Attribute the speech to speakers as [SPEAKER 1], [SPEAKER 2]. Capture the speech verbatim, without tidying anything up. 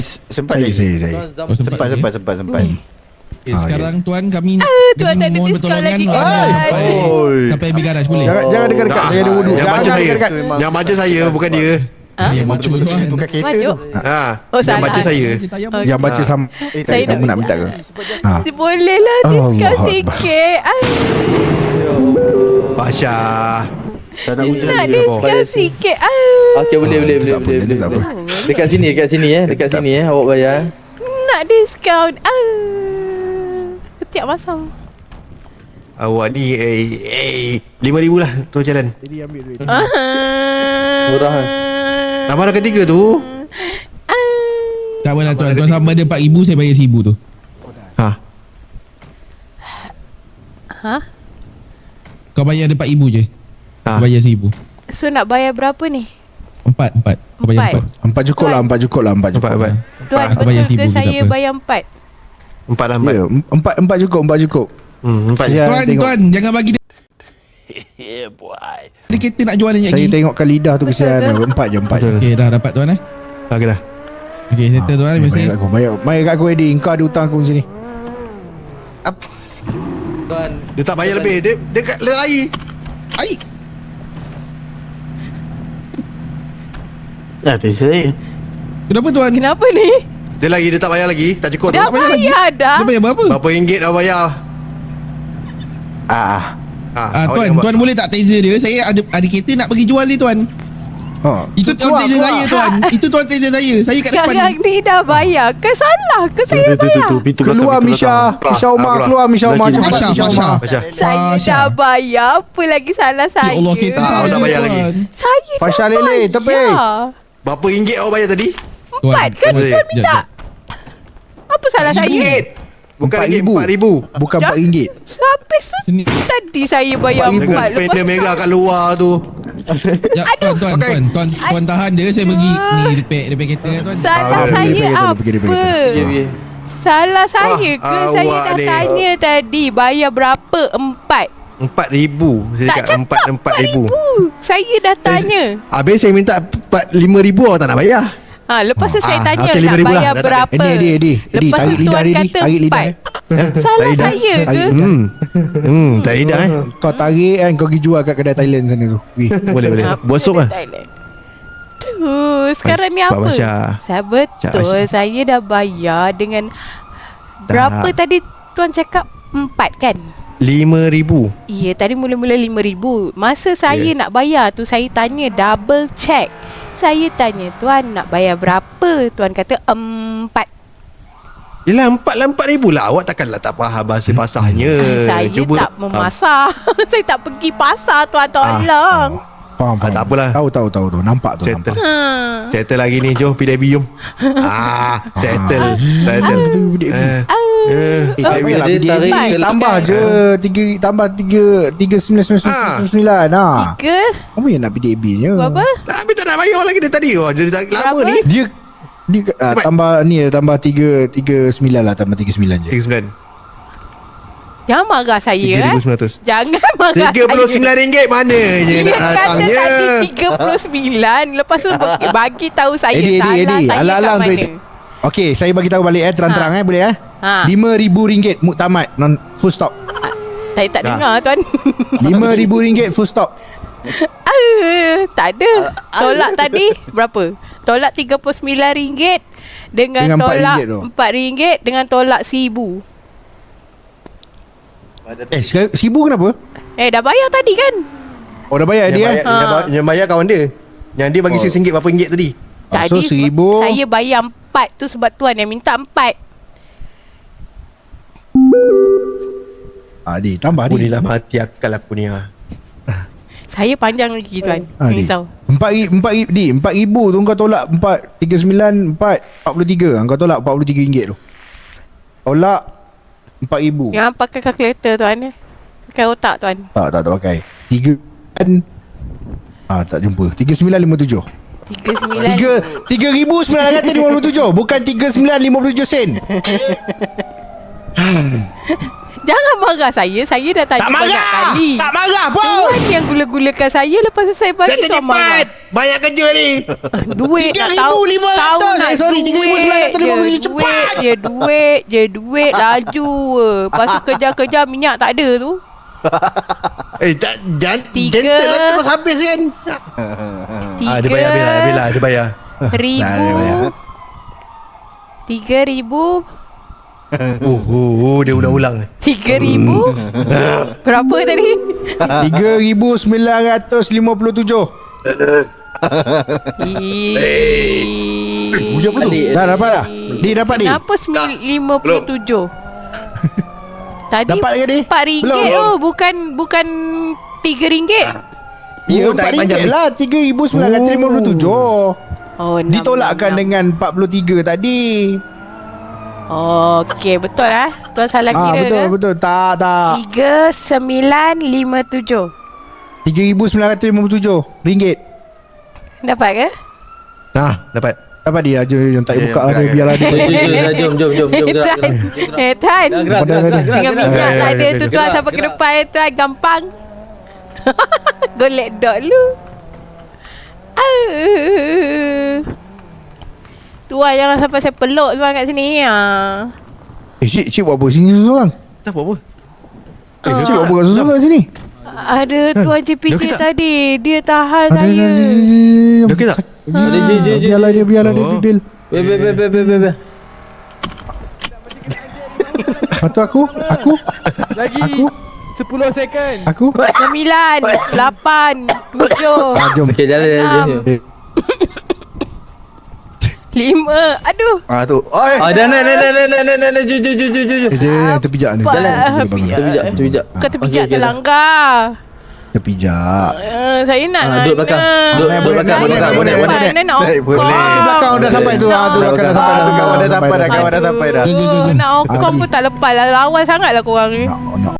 [SPEAKER 1] Sempat saya, saya, saya.
[SPEAKER 2] Oh, sempat,
[SPEAKER 1] sempat, sempat, sempat, sempat.
[SPEAKER 2] Okay, ah, sekarang ya. Tuan kami nak
[SPEAKER 3] ah, Tuan tak ada diskaun lagi kan.
[SPEAKER 2] Sampai habis garaj boleh?
[SPEAKER 1] Jangan, jangan dekat-dekat, saya ada wuduk.
[SPEAKER 4] Yang
[SPEAKER 1] Jangan
[SPEAKER 4] baca saya,
[SPEAKER 1] dekat-dekat.
[SPEAKER 4] yang baca saya bukan dia.
[SPEAKER 3] Ha?
[SPEAKER 2] Yang baca tuan.
[SPEAKER 1] Tukar kereta
[SPEAKER 3] Maju.
[SPEAKER 1] tu.
[SPEAKER 4] Ha,
[SPEAKER 3] Oh,
[SPEAKER 4] yang
[SPEAKER 3] salah.
[SPEAKER 4] baca saya.
[SPEAKER 3] Okay.
[SPEAKER 1] Yang baca sama. Eh,
[SPEAKER 3] Saya
[SPEAKER 1] kamu
[SPEAKER 3] nak
[SPEAKER 1] nak minta ke? Ha.
[SPEAKER 3] Boleh lah diskaun
[SPEAKER 1] Allah
[SPEAKER 3] sikit. Ah,
[SPEAKER 4] Pasha.
[SPEAKER 5] Tak nak hujan
[SPEAKER 3] nak
[SPEAKER 5] lagi.
[SPEAKER 3] diskaun sikit. Ah,
[SPEAKER 5] Okey, boleh, boleh, boleh,
[SPEAKER 1] tak apa,
[SPEAKER 5] boleh,
[SPEAKER 1] jadi
[SPEAKER 5] boleh.
[SPEAKER 1] tak apa.
[SPEAKER 5] boleh. Dekat sini, dekat sini eh, dekat sini eh, awak bayar.
[SPEAKER 3] nak diskaun. Ah, ketiak masam.
[SPEAKER 4] Awak ni eh eh lima ribu lah tu jalan.
[SPEAKER 1] Jadi ambil duit.
[SPEAKER 3] Ah,
[SPEAKER 5] Murah kan?
[SPEAKER 4] Tambah dah ketiga tu.
[SPEAKER 2] Tak apalah tuan. Tuan sama dia empat ribu, saya bayar seribu tu.
[SPEAKER 4] Ha.
[SPEAKER 3] Ha?
[SPEAKER 2] Kau bayar dia empat ribu je.
[SPEAKER 4] Ha.
[SPEAKER 2] Kau bayar seribu.
[SPEAKER 3] So nak bayar berapa ni?
[SPEAKER 2] Empat, empat. Kau bayar
[SPEAKER 3] Empat.
[SPEAKER 2] empat.
[SPEAKER 1] Empat cukup lah, empat cukup lah, empat
[SPEAKER 4] Empat
[SPEAKER 1] cukup.
[SPEAKER 4] empat.
[SPEAKER 3] Tuan
[SPEAKER 2] Aku bayar
[SPEAKER 3] betul ke
[SPEAKER 2] seribu je,
[SPEAKER 3] saya
[SPEAKER 2] tak apa.
[SPEAKER 3] bayar empat?
[SPEAKER 4] Empat lah empat.
[SPEAKER 1] Ya, empat, empat cukup, empat cukup.
[SPEAKER 4] Hmm, empat je.
[SPEAKER 1] Saya
[SPEAKER 2] Tuan,
[SPEAKER 1] tengok.
[SPEAKER 2] tuan, jangan bagi dia. Dia kereta nak jual banyak
[SPEAKER 1] Saya
[SPEAKER 2] lagi.
[SPEAKER 1] tengokkan lidah tu kesian.
[SPEAKER 3] Betul
[SPEAKER 1] Empat je, empat je.
[SPEAKER 4] Betul.
[SPEAKER 2] Okey, dah dapat tuan eh.
[SPEAKER 4] Okey dah.
[SPEAKER 2] Okey, settle tuan.
[SPEAKER 1] Bayar
[SPEAKER 2] Biasa.
[SPEAKER 1] kat aku, bayar, bayar kat aku Eddie. Kau ada hutang aku sini.
[SPEAKER 5] Tuan,
[SPEAKER 4] Dia tak bayar lebih. Dia dia kat lari.
[SPEAKER 2] Ai.
[SPEAKER 5] dah saya.
[SPEAKER 2] Kenapa tuan?
[SPEAKER 3] Kenapa ni?
[SPEAKER 4] Dia lagi, dia tak bayar lagi. Tak cukup.
[SPEAKER 3] Dah
[SPEAKER 4] tu.
[SPEAKER 2] bayar lagi?
[SPEAKER 3] bayar dah.
[SPEAKER 2] Dia bayar berapa?
[SPEAKER 4] Berapa ringgit dah bayar?
[SPEAKER 5] Ah.
[SPEAKER 4] Ha,
[SPEAKER 2] Ah,
[SPEAKER 4] awak
[SPEAKER 2] tuan,
[SPEAKER 4] jangan buat.
[SPEAKER 2] tuan boleh tak taser dia? Saya ada ada kereta nak pergi jual dia tuan.
[SPEAKER 1] Ha.
[SPEAKER 2] Itu tuan
[SPEAKER 1] Keluar,
[SPEAKER 2] taser
[SPEAKER 1] keluar.
[SPEAKER 2] saya tuan. Itu tuan taser saya. Saya kat depan.
[SPEAKER 3] Yang ni dah bayar. Ke salah ke saya bayar?
[SPEAKER 1] Keluar Misha. Misha Umar,
[SPEAKER 4] keluar.
[SPEAKER 1] keluar Misha Umar.
[SPEAKER 5] Lagi
[SPEAKER 1] Cepat
[SPEAKER 2] Fasha,
[SPEAKER 1] Misha
[SPEAKER 2] Fasha.
[SPEAKER 1] Umar.
[SPEAKER 4] Fasha.
[SPEAKER 3] Saya
[SPEAKER 2] Fasha.
[SPEAKER 3] dah bayar. Apa lagi salah saya?
[SPEAKER 2] Ya Allah, kereta
[SPEAKER 4] Ah,
[SPEAKER 2] saya.
[SPEAKER 4] awak tak bayar
[SPEAKER 2] tuan.
[SPEAKER 4] lagi.
[SPEAKER 3] Saya
[SPEAKER 1] Fasha
[SPEAKER 3] dah
[SPEAKER 1] Lele,
[SPEAKER 3] bayar.
[SPEAKER 1] tepi.
[SPEAKER 4] Berapa ringgit awak bayar tadi?
[SPEAKER 2] Tuan,
[SPEAKER 3] Empat kan
[SPEAKER 2] tuan,
[SPEAKER 3] tuan
[SPEAKER 2] jap,
[SPEAKER 3] minta?
[SPEAKER 2] jap.
[SPEAKER 3] Apa salah saya?
[SPEAKER 4] Ringgit. Bukan
[SPEAKER 1] Empat
[SPEAKER 4] ringgit,
[SPEAKER 1] ribu.
[SPEAKER 4] empat ribu.
[SPEAKER 1] Bukan
[SPEAKER 3] Dah.
[SPEAKER 1] empat ringgit.
[SPEAKER 3] Habis tu
[SPEAKER 2] Sini.
[SPEAKER 3] tadi saya bayar
[SPEAKER 4] Dengan
[SPEAKER 3] empat.
[SPEAKER 4] spender merah kat luar tu.
[SPEAKER 2] Ya, tuan, tuan,
[SPEAKER 4] Okey.
[SPEAKER 2] tuan, tuan, tuan tahan dia. Saya pergi ni repair, repair kereta tuan.
[SPEAKER 3] Salah
[SPEAKER 1] Ah,
[SPEAKER 3] saya
[SPEAKER 1] pergi, pergi,
[SPEAKER 3] apa?
[SPEAKER 1] pergi, pergi, pergi.
[SPEAKER 5] Okey, okey.
[SPEAKER 3] Salah saya
[SPEAKER 4] Wah,
[SPEAKER 3] ke? Saya
[SPEAKER 4] awak
[SPEAKER 3] dah
[SPEAKER 4] ni.
[SPEAKER 3] tanya tadi bayar berapa? Empat.
[SPEAKER 4] Empat ribu. Saya
[SPEAKER 3] Tak
[SPEAKER 4] cakap
[SPEAKER 3] cakap
[SPEAKER 4] empat, empat ribu.
[SPEAKER 3] Saya dah tanya.
[SPEAKER 4] Habis saya minta empat, lima ribu awak tak nak bayar.
[SPEAKER 3] Ha, lepas tu saya
[SPEAKER 4] Ah,
[SPEAKER 3] tanya
[SPEAKER 4] okey,
[SPEAKER 3] nak
[SPEAKER 4] lima ribu lah.
[SPEAKER 3] bayar
[SPEAKER 4] Dah tak ada.
[SPEAKER 3] berapa.
[SPEAKER 1] Eddie, Eddie, Eddie. Eddie,
[SPEAKER 3] Lepas
[SPEAKER 1] tarik
[SPEAKER 3] tu
[SPEAKER 1] lidah
[SPEAKER 3] tuan
[SPEAKER 1] Eddie.
[SPEAKER 3] kata
[SPEAKER 1] Tarik lidah,
[SPEAKER 3] empat.
[SPEAKER 1] eh.
[SPEAKER 3] Salah
[SPEAKER 4] Tarik lidah.
[SPEAKER 3] saya ke?
[SPEAKER 1] Tarik
[SPEAKER 4] Hmm. Hmm, tak lidah eh.
[SPEAKER 1] Kau tarik kan, kau pergi jual kat kedai Thailand sana tu. Wih.
[SPEAKER 4] Boleh, boleh.
[SPEAKER 3] Apa
[SPEAKER 4] Buat sup
[SPEAKER 3] dia
[SPEAKER 4] lah.
[SPEAKER 3] Thailand? Tu, sekarang ni
[SPEAKER 4] Pak
[SPEAKER 3] apa?
[SPEAKER 4] Basya.
[SPEAKER 3] Saya
[SPEAKER 4] Cak
[SPEAKER 3] betul,
[SPEAKER 4] Basya.
[SPEAKER 3] saya dah bayar dengan berapa tadi tuan cakap? Empat kan?
[SPEAKER 4] Lima ribu.
[SPEAKER 3] Ya, tadi mula-mula lima ribu. Masa saya
[SPEAKER 4] Ya.
[SPEAKER 3] nak bayar tu, saya tanya double check. Saya tanya, tuan nak bayar berapa? Tuan kata empat.
[SPEAKER 4] Yelah, empat lah empat ribu lah. Awak takkanlah tak faham bahasa pasarnya.
[SPEAKER 3] Saya
[SPEAKER 4] Cuba
[SPEAKER 3] tak memasar. saya tak pergi pasar, tuan tolong.
[SPEAKER 1] Faham, faham.
[SPEAKER 4] tak apalah.
[SPEAKER 1] Tahu, tahu, tahu. tahu. Nampak tu,
[SPEAKER 4] Settle.
[SPEAKER 1] nampak.
[SPEAKER 3] Ha.
[SPEAKER 4] Settle lagi ni. Jom P W jom. Ah, settle. Settle. Eh,
[SPEAKER 1] Eh,
[SPEAKER 4] Eh,
[SPEAKER 1] tak payahlah
[SPEAKER 5] dia
[SPEAKER 1] dia
[SPEAKER 5] tarik
[SPEAKER 1] tarik
[SPEAKER 5] ke-
[SPEAKER 1] tambah je tiga tambah tiga tiga sembilan sembilan
[SPEAKER 4] Ah.
[SPEAKER 1] sembilan ah.
[SPEAKER 3] Tiga?
[SPEAKER 1] Apa yang nak P D B nya?
[SPEAKER 3] Berapa?
[SPEAKER 4] Tapi tak nak bayar lagi dia tadi. Oh, dia tak lama
[SPEAKER 3] Berapa?
[SPEAKER 4] ni.
[SPEAKER 1] Dia dia ah,
[SPEAKER 4] Cepat.
[SPEAKER 1] tambah ni tambah tiga tiga sembilan lah tambah tiga sembilan je.
[SPEAKER 4] tiga puluh sembilan.
[SPEAKER 3] Jangan marah saya
[SPEAKER 4] tiga ribu
[SPEAKER 3] eh.
[SPEAKER 4] sembilan ratus.
[SPEAKER 3] Jangan marah
[SPEAKER 4] tiga puluh sembilan ringgit mananya
[SPEAKER 3] Dia
[SPEAKER 4] nak
[SPEAKER 3] kata
[SPEAKER 4] datangnya.
[SPEAKER 3] tadi tiga puluh sembilan. Lepas tu bagi, bagi tahu saya
[SPEAKER 1] Eddie,
[SPEAKER 3] salah
[SPEAKER 1] Eddie, Eddie.
[SPEAKER 3] saya
[SPEAKER 1] Alang-alang
[SPEAKER 3] kat
[SPEAKER 1] tu,
[SPEAKER 3] mana.
[SPEAKER 1] Eddie. Okey, saya bagi tahu balik eh terang-terang eh boleh eh.
[SPEAKER 3] Ha.
[SPEAKER 1] lima ribu ringgit muktamad non full stop.
[SPEAKER 3] Saya tak
[SPEAKER 4] Dah.
[SPEAKER 3] dengar tuan.
[SPEAKER 1] lima ribu ringgit full stop.
[SPEAKER 3] Ah, tak ada. Tolak tadi berapa? Tolak tiga puluh sembilan ringgit dengan,
[SPEAKER 1] Dengan empat
[SPEAKER 3] tolak
[SPEAKER 1] ringgit tu.
[SPEAKER 3] empat ringgit dengan tolak seribu.
[SPEAKER 1] Eh, sekarang seribu kenapa?
[SPEAKER 3] Eh dah bayar tadi kan?
[SPEAKER 1] Oh dah bayar
[SPEAKER 4] Yang
[SPEAKER 1] dia
[SPEAKER 4] bayar,
[SPEAKER 1] eh.
[SPEAKER 4] yang, bayar, yang bayar kawan dia. Yang dia bagi
[SPEAKER 1] Oh.
[SPEAKER 4] saya ringgit berapa ringgit tadi?
[SPEAKER 1] Oh, so
[SPEAKER 3] Tadi
[SPEAKER 1] seribu.
[SPEAKER 3] saya bayar empat tu sebab tuan yang minta empat.
[SPEAKER 1] Ah, Di, tambah
[SPEAKER 4] Aku
[SPEAKER 1] Di.
[SPEAKER 4] ni lah mati akal aku ni ah.
[SPEAKER 3] Saya panjang lagi tuan.
[SPEAKER 1] Ah,
[SPEAKER 3] Jangan
[SPEAKER 1] Di.
[SPEAKER 3] risau.
[SPEAKER 1] Empat ribu, empat ribu, Di, empat ribu tu kau tolak empat, tiga sembilan, empat, empat puluh tiga. Kau tolak empat puluh tiga ringgit tu. Tolak empat ribu.
[SPEAKER 3] Jangan pakai kalkulator tuan. Pakai otak tuan.
[SPEAKER 1] Tak, tak, tak pakai. Tiga kan. Ah, tak jumpa. Tiga sembilan lima tujuh.
[SPEAKER 3] Tiga sembilan.
[SPEAKER 1] Tiga, tiga ribu sembilan ratus lima puluh tujuh. Bukan tiga sembilan lima puluh tujuh sen.
[SPEAKER 3] Jangan marah saya. Saya dah tanya
[SPEAKER 1] Tak
[SPEAKER 3] banyak
[SPEAKER 1] marah.
[SPEAKER 3] kali.
[SPEAKER 1] Tak marah pun.
[SPEAKER 3] Tuan yang gula-gulakan saya. Lepas tu saya bagi
[SPEAKER 4] Saya
[SPEAKER 3] tuan marah.
[SPEAKER 4] cepat. Banyak kerja ni.
[SPEAKER 3] Duit
[SPEAKER 1] tiga
[SPEAKER 3] nak
[SPEAKER 1] ribu
[SPEAKER 3] tahu.
[SPEAKER 1] lima ratus.
[SPEAKER 3] Tahu nak
[SPEAKER 1] Eh, sorry, tiga ribu sembilan ratus lima puluh
[SPEAKER 3] je,
[SPEAKER 1] tujuh. Cepat.
[SPEAKER 3] Duit je, duit je, duit laju. Lepas tu kerja-kerja minyak tak ada tu.
[SPEAKER 4] Eh, tak, jangan,
[SPEAKER 3] Tiga.
[SPEAKER 4] gentle lah terus habis kan.
[SPEAKER 3] Tiga
[SPEAKER 4] Ah, dia bayar, dia bayar, dia bayar, dia bayar.
[SPEAKER 3] ribu.
[SPEAKER 1] Nah, dia bayar.
[SPEAKER 3] Tiga ribu.
[SPEAKER 4] Oh, oh, oh, dia ulang-ulang.
[SPEAKER 3] Tiga ribu. Berapa tadi?
[SPEAKER 1] tiga ribu sembilan ratus lima puluh tujuh.
[SPEAKER 3] Ih.
[SPEAKER 5] Balik.
[SPEAKER 1] Dah dapat dah? Di dapat di?
[SPEAKER 3] Kenapa lima puluh tujuh? Tadi
[SPEAKER 1] Dapat ke, Di?
[SPEAKER 3] empat ringgit.
[SPEAKER 1] Belum.
[SPEAKER 3] Oh, bukan bukan tiga ringgit.
[SPEAKER 1] Ya,
[SPEAKER 4] Oh,
[SPEAKER 1] empat
[SPEAKER 4] tak panjang
[SPEAKER 1] ringgit
[SPEAKER 4] ni.
[SPEAKER 1] lah. tiga ribu sembilan ratus lima puluh tujuh.
[SPEAKER 3] Oh, enam,
[SPEAKER 1] Ditolakkan
[SPEAKER 3] enam, enam.
[SPEAKER 1] dengan empat puluh tiga tadi.
[SPEAKER 3] Oh, okey, betul ah. Tuan salah
[SPEAKER 1] Ah,
[SPEAKER 3] kira
[SPEAKER 1] betul,
[SPEAKER 3] ke?
[SPEAKER 1] betul. Tak, tak.
[SPEAKER 3] Tiga sembilan lima tujuh.
[SPEAKER 1] tiga ribu sembilan ratus lima puluh tujuh ringgit.
[SPEAKER 3] Dapat ke?
[SPEAKER 4] Ah, dapat.
[SPEAKER 1] Dapat dia aja yang tak
[SPEAKER 4] Ya,
[SPEAKER 1] buka
[SPEAKER 4] ya,
[SPEAKER 1] lah dia
[SPEAKER 4] gerak,
[SPEAKER 1] biarlah dia.
[SPEAKER 5] Jom, jom, jom, jom, jom, jom, jom, gerak,
[SPEAKER 3] Tan.
[SPEAKER 5] gerak.
[SPEAKER 3] Eh, Tan.
[SPEAKER 5] Gerak, gerak, gerak, gerak,
[SPEAKER 3] Dengan
[SPEAKER 5] gerak.
[SPEAKER 3] minyak
[SPEAKER 4] Eh,
[SPEAKER 3] tak ada
[SPEAKER 4] eh,
[SPEAKER 3] tu
[SPEAKER 4] eh,
[SPEAKER 3] tuan
[SPEAKER 5] gerak,
[SPEAKER 3] sampai ke
[SPEAKER 5] gerak.
[SPEAKER 3] depan tuan gampang. Golek dot lu. Ah. Tuan jangan sampai saya peluk tuan kat sini. Ah.
[SPEAKER 1] Eh, cik, cik buat apa sini seorang?
[SPEAKER 4] Tak apa-apa.
[SPEAKER 1] Eh, cik buat apa kat seorang kat sini?
[SPEAKER 3] Ada tuan J P
[SPEAKER 4] Dia
[SPEAKER 3] J
[SPEAKER 4] okey tak?
[SPEAKER 3] tadi. Dia tahan
[SPEAKER 1] Ada,
[SPEAKER 3] saya.
[SPEAKER 1] ada,
[SPEAKER 4] Dia okey tak?
[SPEAKER 5] Ada, je, je, je.
[SPEAKER 1] Biarlah dia, biarlah dia,
[SPEAKER 4] Oh.
[SPEAKER 1] Bil.
[SPEAKER 5] Be, be, be, be, be, be, be.
[SPEAKER 1] Lepas tu aku, aku,
[SPEAKER 6] Lagi
[SPEAKER 1] aku,
[SPEAKER 6] sepuluh second.
[SPEAKER 1] aku.
[SPEAKER 3] Sembilan, lapan, tujuh,
[SPEAKER 1] Ah, jom.
[SPEAKER 5] Okey, jalan, jalan,
[SPEAKER 3] enam,
[SPEAKER 5] jalan.
[SPEAKER 3] lima. Aduh.
[SPEAKER 4] Ah, tu. Oi.
[SPEAKER 5] Ah, dah, nak, nak, nak, nak, nak, nak, nak, nak, jom, jom, jom, jom, jom.
[SPEAKER 1] Eh, dia yang terpijak ni.
[SPEAKER 3] Apa?
[SPEAKER 1] Terpijak, bangun.
[SPEAKER 3] Pijak.
[SPEAKER 5] Terpijak, terpijak.
[SPEAKER 3] Kau terpijak
[SPEAKER 5] Okey, okey, dah.
[SPEAKER 3] terlanggar.
[SPEAKER 1] Terpijak.
[SPEAKER 3] Uh, saya nak
[SPEAKER 5] Ah, duduk belakang.
[SPEAKER 3] nanya.
[SPEAKER 5] Duduk- duduk belakang,
[SPEAKER 3] Saya
[SPEAKER 5] duduk belakang,
[SPEAKER 3] nak
[SPEAKER 5] boleh, boleh.
[SPEAKER 3] depan, Nak
[SPEAKER 4] Boleh,
[SPEAKER 3] okong.
[SPEAKER 4] boleh.
[SPEAKER 1] Di belakang dah sampai tu. Ah, tu belakang dah sampai dah.
[SPEAKER 4] Kawan dah sampai dah, kawan dah
[SPEAKER 3] Aduh,
[SPEAKER 4] sampai dah.
[SPEAKER 2] Jom, jom, jom, jom.
[SPEAKER 3] Nak okong
[SPEAKER 1] Ah,
[SPEAKER 3] pun tak lepas lah. Lawan sangat lah korang ni.
[SPEAKER 1] Nak, nak